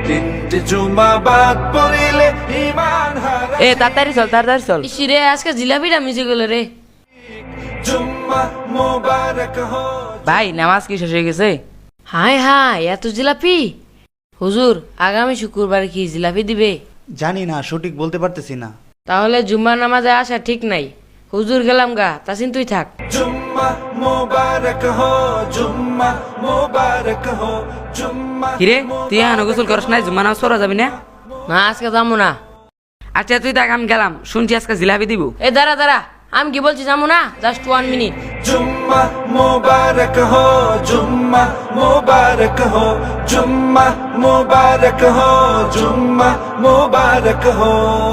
তিনটি জুমা বাদ পড়িলে ঈমান হারা। এ তাড়াতাড়ি চল। ইসিরে আজকে জিলাপিটা মিশে গেল রে। জুম্মা মোবারক হো। ভাই নামাজ কি শেষ হয়ে গেছে? হায় এত জিলাপি। হুজুর আগামী শুক্রবার কি জিলাপি দিবে? জানি না, সঠিক বলতে পারতেছি না। তাহলে জুম্মার নামাজে আসা ঠিক নাই। হুজুর গেলাম গা, তাসিন তুই থাক। জুম্মা মোবারক হো, জুম্মা মোবারক হো, জুম্মা। কিরে তুই এখন গোসল করস নাই? জুম্মা নামাজ পড়া যাবি না? না আজকে যাবো না। আচ্ছা তুই দেখ, আমি গেলাম, শুনছি আজকে জিলাপি দিব। এ দাঁড়া আমি কি বলছি যাবো না, জাস্ট 1 মিনিট। জুম্মা মোবারক হো, জুম্মা মোবারক হো, জুম্মা মোবারক হো, জুম্মা মোবারক হো।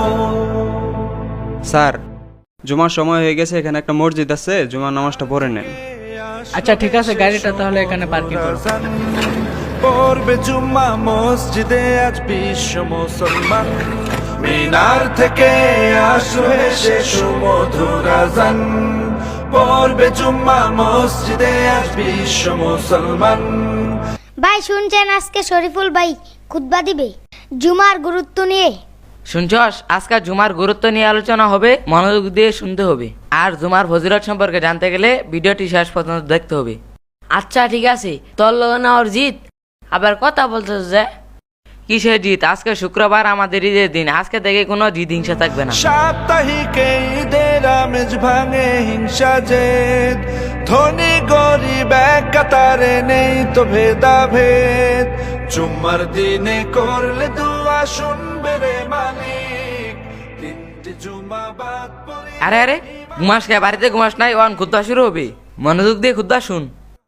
স্যার, জুমার সময় হয়ে গেছে, এখানে একটা মসজিদ আছে, জুমার নামাজটা পড়ে নেন। আচ্ছা ঠিক আছে, গাড়িটা তাহলে এখানে পার্কিং করো। পড়বে জুম্মা মসজিদে আজ বিশ্ব মুসলমান, মিনার থেকে আসবে সে সুমধুর আযান। পড়বে জুম্মা মসজিদে আজ বিশ্ব মুসলমান। ভাই শুনছেন, আজকে শরীফুল ভাই খুতবা দিবে জুমার গুরুত্ব নিয়ে। শুনছস, আজকে জুমার গুরুত্ব নিয়ে আলোচনা হবে, মনোযোগ দিয়ে শুনতে হবে। আর জুমার ফজিলত সম্পর্কে জানতে গেলে ভিডিওটি শেষ পর্যন্ত দেখতে হবে। আচ্ছা ঠিক আছে, তোর লগে না ওর জিত, আবার কথা বলতেছ যে। কিসের জিত? আজকে শুক্রবার আমাদের ঈদের দিন, আজকে থেকে কোনো জিদ হিংসা থাকবে না। সাপ্তাহিকে ঈদের আমেজ ভাঙে হিংসা জেদ, ধনী গরিব এক কাতারে নেই তো ভেদাভেদ। জুম্মার দিনে করলে দোয়া শুনবে রে মালিক, তিনটি জুমা বাদ পড়িলে। আরে ঘুমাস কে? বাড়িতে ঘুমাস নাই? ওয়ান খুদ্া শুরু হবে, মনোযোগ দিয়ে খুদ্া শুন।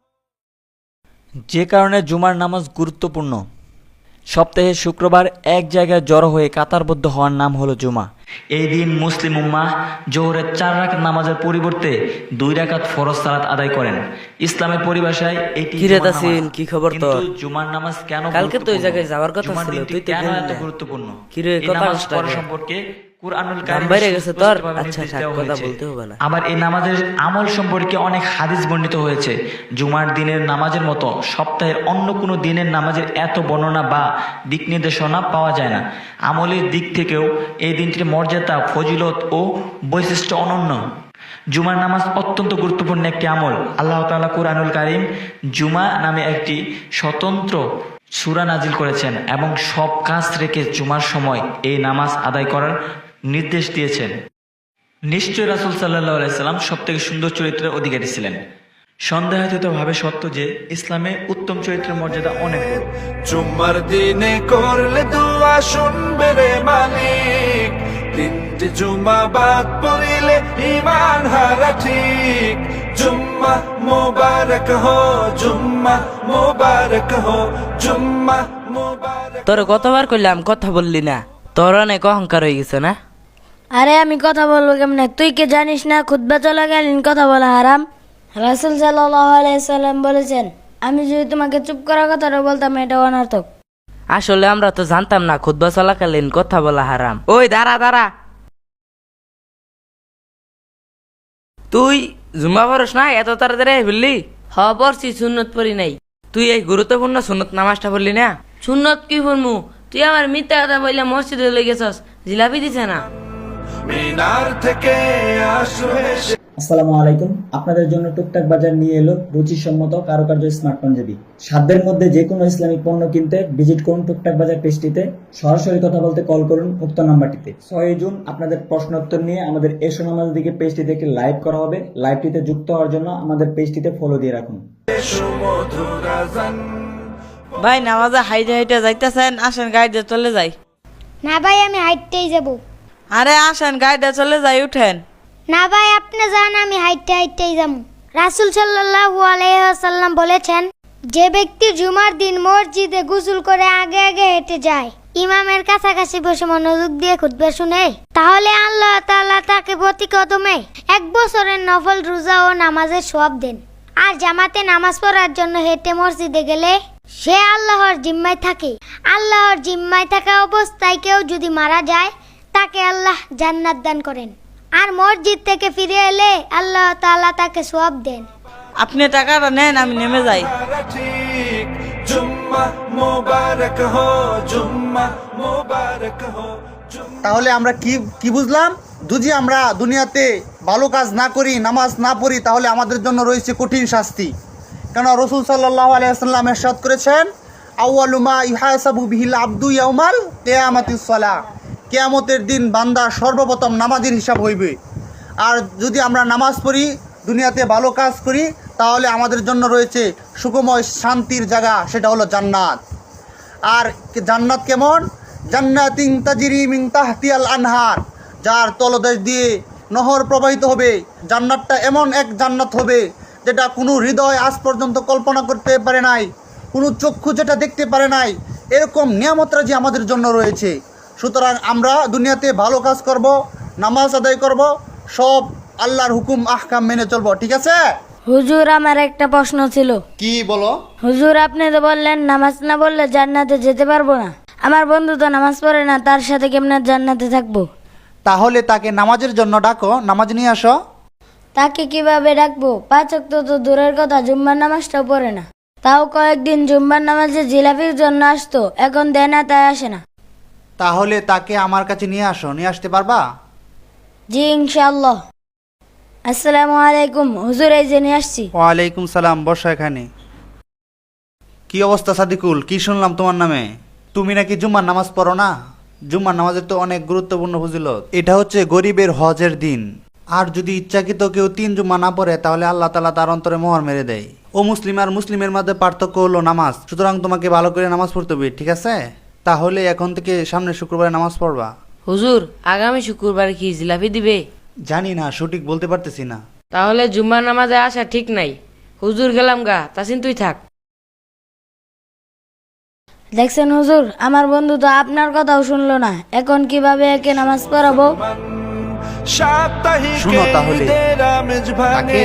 যে কারণে জুমার নামাজ গুরুত্বপূর্ণ। সপ্তাহে শুক্রবার এক জায়গায় জড়ো হয়ে কাতারবদ্ধ হওয়ার নাম হলো জুমা। এই দিন মুসলিম উম্মাহ জোহরের 4 রাকাত নামাজের পরিবর্তে 2 রাকাত ফরজ সালাত আদায় করেন। ইসলামের পরিভাষায় এটি কিরে তাসিন, কি খবর তোর? কিন্তু জুমার নামাজ কেন কালকে তো ওই জায়গায় যাওয়ার কথা জুমার ছিল, দিনটি তুই তো কেন গেলি এত না। গুরুত্বপূর্ণ? কিরে, এই কথা নামাজ আসলে পড়া না। সম্পর্কে কুরআনুল দাম কারীমে বাইরে গেছে তোর? সুস্পষ্টভাবে আচ্ছা নির্দেশ থাক, দেওয়া কথা হয়েছে। বলতে হবে না। আবার এই নামাজের আমল সম্পর্কে অনেক হাদিস বর্ণিত হয়েছে। জুমার দিনের নামাজের মতো সপ্তাহের অন্য কোনো দিনের নামাজের এত বর্ণনা বা দিক নির্দেশনা পাওয়া যায় না। আমলের দিক থেকেও এই দিনটির মর্যাদা, ফজিলত ও বৈশিষ্ট্য অনন্য। জুমার নামাজ অত্যন্ত গুরুত্বপূর্ণ একটি আমল। আল্লাহ তাআলা কুরআনুল কারীম জুমা নামে একটি স্বতন্ত্র সূরা নাজিল করেছেন এবং সব কাজ রেখে জুমার সময় এই নামাজ আদায় করার নির্দেশ দিয়েছেন। নিশ্চয় রাসূল সাল্লাল্লাহু আলাইহি সাল্লাম সবথেকে সুন্দর চরিত্রের অধিকারী ছিলেন। সন্দেহাতীতভাবে সত্য যে ইসলামে উত্তম চরিত্রের মর্যাদা অনেক বড়। জুম্মার দিনে করলে দোয়া শুনবে রে মালিক, তিনটি জুমা বাদ পড়িলে ঈমান হারা ঠিক। জুম্মা মোবারক হো, জুম্মা মোবারক হো, জুম্মা মোবারক। তোর কতবার করলাম, কথা বললি না? তোর অনেক অহংকার হয়ে গেছে না? আরে আমি কথা বলবো কেমনে? তুই কি জানিস না খুতবা চলাকালীন কথা বলা হারাম? রাসূল সাল্লাল্লাহু আলাইহি সাল্লাম বলেছেন, আমি যদি তোমাকে চুপ করার কথাটা বলতাম এটা অনর্থক। আসলে আমরা তো জানতাম না খুতবা চলাকালীন কথা বলা হারাম। ওই দাঁড়া, তুই জুম্মা পড়স না? এত তাড়াতাড়ি বললি? হ পড়ছি, সুন্নত পড়ি নাই। তুই এই গুরুত্বপূর্ণ সুন্নত নামাজটা বললি না? সুন্নত কি পড়মু? তুই আমার মিথ্যা কথা বললে মসজিদে লই গেছস, জিলাপি দিছে না। মিনার থেকে আসবে সে। আসসালামু আলাইকুম। আপনাদের জন্য টুকটাক বাজার নিয়ে এলো রুচিসম্মত কারুকার্য স্মার্ট পাঞ্জাবি। সাধ্যের মধ্যে যে কোনো ইসলামিক পণ্য কিনতে ভিজিট করুন টুকটাক বাজার পেজটিতে। সরাসরি কথা বলতে কল করুন উক্ত নাম্বারটিতে। 6 জুন আপনাদের প্রশ্ন উত্তর নিয়ে আমাদের এসো নামাজ দিকে পেজটিতে একটি লাইভ করা হবে। লাইভটিতে যুক্ত হওয়ার জন্য আমাদের পেজটিতে ফলো দিয়ে রাখুন। সুমধুর আযান। ভাই নামাজে হাইটে যাইতেছেন, আসেন গাড়িতে চলে যাই। না ভাই আমি হাইটতেই যাব। আরে আসেন গাড়িতে চলে যাই, উঠেন। না ভাই আপনি যান, আমি হাইটতেই যাব। রাসূল সাল্লাল্লাহু আলাইহি ওয়াসাল্লাম বলেছেন, যে ব্যক্তি জুমার দিন মসজিদে গোসল করে আগে আগে হেঁটে যায়, ইমামের কাছাকাছি বসে মনোযোগ দিয়ে খুতবা শুনে, তাহলে আল্লাহ তাআলা তাকে প্রতি কদমে 1 বছরের নফল রোজা ও নামাজের সওয়াব দেন। আর জামাতে নামাজ পড়ার জন্য হেঁটে মসজিদে গেলে সে আল্লাহর জিম্মায় থাকে। আল্লাহর জিম্মায় থাকা অবস্থায় কেউ যদি মারা যায়, তাকে আল্লাহ জান্নাত দান করেন। আর মসজিদ থেকে ফিরে এলে আল্লাহ তাআলা তাকে সওয়াব দেন। আপনি টাকাটা নেন, আমি নেমে যাই। ঠিক জুম্মা मुबारक हो जुम्मा मुबारक हो তাহলে আমরা কি কি বুঝলাম? যদি আমরা দুনিয়াতে ভালো কাজ না করি, নামাজ না পড়ি, তাহলে আমাদের জন্য রয়েছে কঠিন শাস্তি। কেন রাসূল সাল্লাল্লাহু আলাইহি ওয়াসাল্লাম ইরশাদ করেছেন, আউয়ালু মা ইহাসাবু বিহিল আবদু ইয়াউমাল কিয়ামাতিস সালাহ, কিয়ামতের দিন বান্দা সর্বপ্রথম নামাজের হিসাব হইবে। আর যদি আমরা নামাজ পড়ি, দুনিয়াতে ভালো কাজ করি, তাহলে আমাদের জন্য রয়েছে সুখময় শান্তির জায়গা, সেটা হলো জান্নাত। আর জান্নাত কেমন? জান্নাতিন তাজরি মিন তাহতিয়াল আনহার, যার তলদেশ দিয়ে নহর প্রবাহিত হবে। জান্নাতটা এমন এক জান্নাত হবে যেটা কোনো হৃদয় আজ পর্যন্ত কল্পনা করতে পারে নাই, কোনো চক্ষু যেটা দেখতে পারে নাই, এরকম নিয়ামতরা যে আমাদের জন্য রয়েছে। সুতরাং আমরা দুনিয়াতে ভালো কাজ করব, নামাজ আদায় করব, সব আল্লাহর হুকুম আহকাম মেনে চলবো, ঠিক আছে? হুজুর, আমার একটা প্রশ্ন ছিল। কি বলো? হুজুর, আপনি তো বললেন নামাজ না পড়লে জান্নাতে যেতে পারবো না। আমার বন্ধু তো নামাজ পড়ে না, তার সাথে কেমনে জান্নাতে থাকবো? তাহলে তাকে নামাজের জন্য ডাকো, নামাজ নিয়ে আসো। তাকে কিভাবে ডাকবো? 5 ওয়াক্ত তো দূরের কথা, জুম্মার নামাজটাও পড়ে না। তাও কয়েকদিন জুম্মার নামাজে জিলাপির জন্য আসতো, এখন দেয় না, তাই আসে না। তাহলে তাকে আমার কাছে নিয়ে আসো, নিয়ে আসতে পারবা? জি ইনশাআল্লাহ। আসসালামু আলাইকুম হুজুর, এই যে নিয়ে আসছি। ওয়ালাইকুম সালাম, বসো এখানে। কি অবস্থা সাদিকুল, কি শুনলাম তোমার নামে? তুমি নাকি জুম্মার নামাজ পড়ো না? জুম্মার নামাজের তো অনেক গুরুত্বপূর্ণ ফজিলত। এটা হচ্ছে গরিবের হজের দিন। আর যদি ইচ্ছাকৃত কেউ 3 জুম্মা না পড়ে, তাহলে আল্লাহ তাআলা তার অন্তরে মোহর মেরে দেয়। ও মুসলিম আর মুসলিমের মধ্যে পার্থক্য হলো নামাজ। সুতরাং তোমাকে ভালো করে নামাজ পড়তে হবে, ঠিক আছে? তাহলে এখন থেকে সামনের শুক্রবারে নামাজ পড়বা। হুজুর, আগামী শুক্রবার কি জিলাপি দিবে? জানি না, সঠিক বলতে পারতেছি না। তাহলে জুম্মার নামাজে আসা ঠিক নাই। হুজুর গেলাম গা, তাসিন তুই থাক। দেখছেন হুজুর, আমার বন্ধু তো আপনার কথাও শুনলো না। এখন কিভাবে একে নামাজ পড়াবো? শুনো তাহলে তাকে।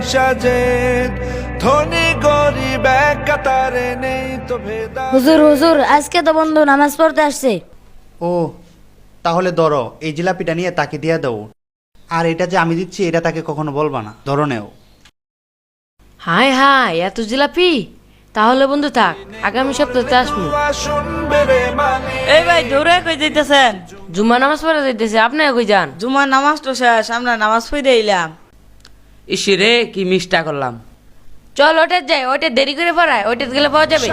হুজুর হুজুর, আজকে তো বন্ধু নামাজ পড়তে আসছে। ও, তাহলে ধরো এই জিলাপিটা নিয়ে তাকে দিয়ে দাও। আর এটা যে আমি দিচ্ছি, এটা তাকে কখনো বলবা না, ধরো নেও। হাই হাই, এত জিলাপি! তাহলে বন্ধু থাক, আগামী সপ্তাহে আসবো। এই ভাই, দৌড়ে কই যাইতেছেন? জুম্মা নামাজ পড়ে যাইতেছে, আপনি কই যান? জুমার নামাজ তো শেষ, আমরা নামাজ পড়ে এলাম। ইসিরে কি মিষ্টা করলাম। চল ওটে যাই, ওটে দেরি করে পড়ায়, ওটে গেলে পাওয়া যাবে।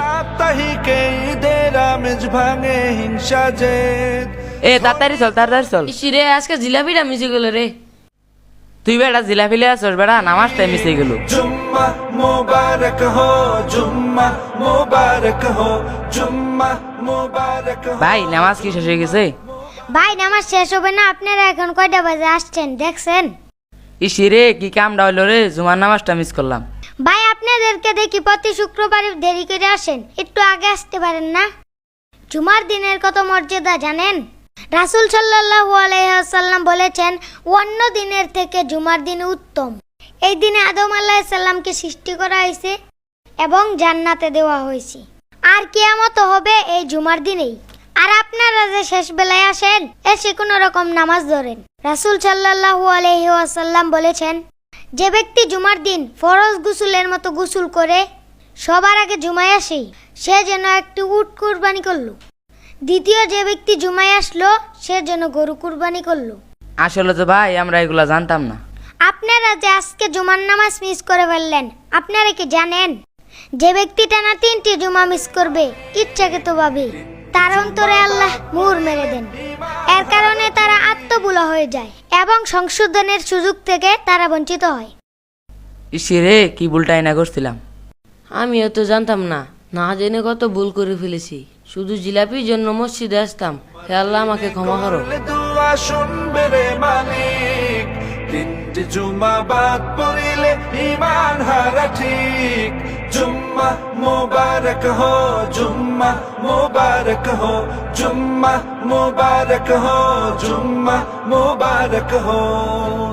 এ তাড়াতাড়ি চল, তাড়াতাড়ি চল। ইসিরে, আজকে জিলাপিটা মিশে গেল রে। তুই বেটা জিলাপি লিয়ে আসছ বেটা, নামাজটাই মিশে গেল। जुम्मा मुबारक हो जुम्मा मुबारक हो जुम्मा मुबारक हो ভাই, নামাজ কি শেষ হয়ে গেছে? ভাই, নামাজ শেষ হবে না, আপনারা এখন কয়টা বাজে আসছেন দেখছেন? ইসিরে কি কামটা হইলো রে, জুমার নামাজটা মিস করলাম। ভাই, আপনাদেরকে দেখি প্রতি শুক্রবারে দেরি করে আসেন, একটু আগে আসতে পারেন না? জুমার দিনের কত মর্যাদা জানেন? রাসূল সাল্লাল্লাহু আলাইহি ওয়াসাল্লাম বলেছেন, অন্য দিনের থেকে জুমার দিন উত্তম। এই দিনে আদম আলাইহিস সালামকে সৃষ্টি করা হয়েছে এবং জান্নাতে দেওয়া হয়েছে। আর কিয়ামত হবে এই জুমার দিনেই। আর আপনারা যে শেষ বেলায় আসেন, এসে কোনো রকম নামাজ ধরেন। রাসূল সাল্লাল্লাহু আলাইহি ওয়াসাল্লাম বলেছেন, যে ব্যক্তি জুমার দিন ফরজ গোসলের মতো গোসল করে সবার আগে জুমায় আসে, সে যেন একটি উট কুরবানি করলো। দ্বিতীয় যে ব্যক্তি জুমায় আসলো, সে যেন গরু কুরবানি করলো। আসলে তো ভাই, আমরা এগুলা জানতাম না। আপনারা যে আজকে জুমার নামাজ মিস করে ফেললেন, আপনারা কি জানেন যে ব্যক্তি টানা 3টি জুমা মিস করবে ইচ্ছাকৃতভাবে, তার অন্তরে আল্লাহ মুহর মেরে দেন। এর কারণে তারা আত্মভুলা হয়ে যায় এবং সংশোধনের সুযোগ থেকে তারা বঞ্চিত হয়। ইসিরে কি ভুলটাই না করছিলাম। আমিও তো জানতাম না, না জেনে কত ভুল করে ফেলেছি। শুধু জিলাপির জন্য মসজিদে আসতাম। হে আল্লাহ, আমাকে ক্ষমা করো। দুয়া শুনবে রে মালিক, 3টি জুমা বাদ পড়িলে ঈমান হারা ঠিক। জুম্মা মুবারক হো জুম্মা মুবারক হো জুম্মা মুবারক হো জুম্মা মুবারক হো।